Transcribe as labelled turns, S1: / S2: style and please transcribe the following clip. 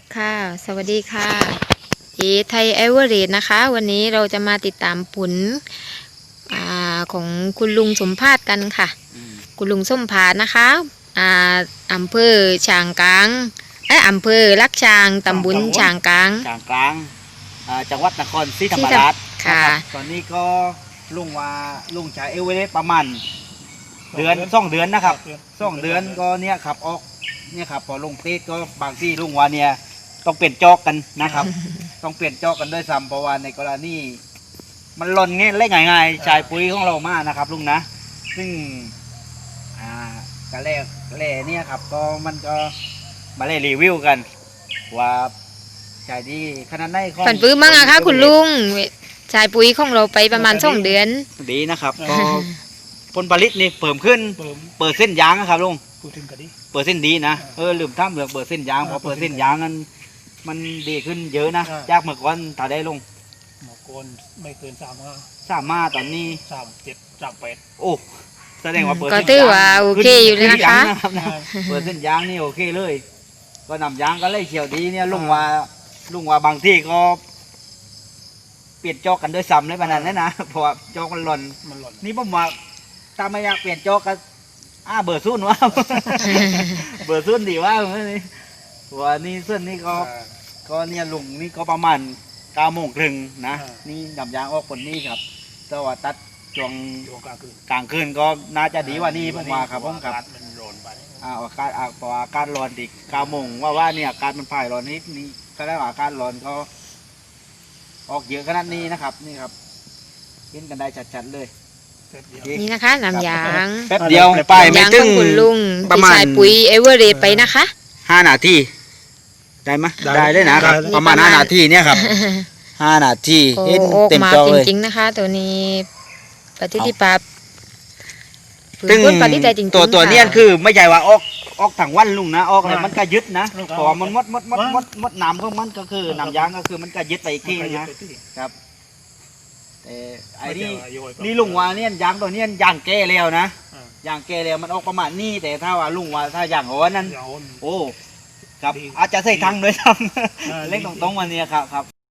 S1: ค่ะสวัสดีค่ะไทยเอเวอเรสต์นะคะ วันนี้เราจะมาติดตามผลของคุณลุงสมภาสกันค่ะคุณลุงสมภาสนะคะอ่าอำเภอฉางกลางอำเภอลักช้างตำบลฉางกลาง
S2: จังหวัดนครศรีธรรมราช
S1: ค่ะ
S2: ตอนนี้ก็ลุงชายเอเวอเรสต์ประมาณ2 เดือนนะครับ2 เดือนก็เนี่ยขับออกเนี่ยครับพอลงเตสก็บางที่ลุงว่าเนี่ยต้องเปลี่ยนจอกกันนะครับ ต้องเปลี่ยนจอกกันด้วยซ้ำเพราะว่าในกรณีมันหล่นเงี้ยเล่นง่ายๆชายปุ๋ยของเรามากนะครับลุงนะซึ่งกระแร่เนี่ยครับก็มันก็มาเล่รีวิวกันว่าชายดีขนาดไหนของ
S1: ฝันปื้มมั้งอะคะคุณลุงชายปุ๋ยของเราไปประมาณ2 เดือน
S2: ดีนะครับก็ผลผลิตนี่เพิ่มขึ้นเปิดเส้นยางนะครับลุงเปิดเส้นดีนะลืมทำเรื่องเปิดเส้นยางพอเปิดเส้นยางนั้นมันดีขึ้นเยอะนะจากเมื่อก่อนถ้าได้ลง
S3: เมื่อก่อนไม่เกิน
S2: 35ตอนนี้
S3: 37 38
S2: โอ้แสดงว่าเปิด
S1: ก็ถือว่าโอเคอยู่เลยนะคะ
S2: เปิดเส้นยางนี่โอเคเลยก็นำยางก็เลยเขียวดีเนี่ยลุงว่าบางที่ก็เปลี่ยนจอกกันด้วยซ้ำเลยขนาดนั้นนะเพราะว่าจอกมันหล่นนี่ผมว่าถ้าไม่อยากเปลี่ยนจอกก็เบอร์ซุ่นวะ เบอร์ซุ่นดีว่าว่านี่เส้นนี่ก็เนี่ยลุงนี่ก็ประมาณ9 โมงครึ่งนะนี่นำยางออกคนนี้ครับแต่ว่าตัดช่วงกลางคืนก็น่าจะดีกว่านี้ผมว่าครับผมครับ
S3: มันร้อนไป
S2: อากาศพออากาศร้อนอีก9 โมงว่าเนี่ยอากาศมันผ่ายร้อนนิดนี้ก็ได้ว่าอากาศร้อนก็ออกเยอะขนาดนี้นะครับนี่ครับเห็นกันได้ชัดๆเลย
S1: นี่นะคะน้ำยาง
S2: แป๊บเดียวไปไม่ถึง
S1: คุณลุงประมาณชายปุ๋ยเอเวอเรสต์ไปนะคะ
S2: 5 นาทีได้ไหมได้เลยนะครับประมาณ5 นาทีเนี่ยครับ5 นาที
S1: เห็นเต็มจอเลยจริงๆนะคะตัวนี้ปฏิทิภาพ
S2: ตึงตัวเนี้ยคือไม่ใช่ว่าออกถังวันลุงนะออกอะไรมันก็ยึดนะเพราะมันมดน้ำของมันก็คือน้ำยางก็คือมันก็ยึดไปอีกทีนะครับแต่ไอ้นี่ลุงว่าเนี่ยยางตัวเนี้ยยางแก่แล้วนะยางแก่แล้วมันออกประมาณนี้แต่ถ้าว่าลุงว่าถ้ายางอ่อนนั้นโอ้ครับอาจจะใส่ทังด้วยซ้ำเล็กตรงๆวันนี้ครับ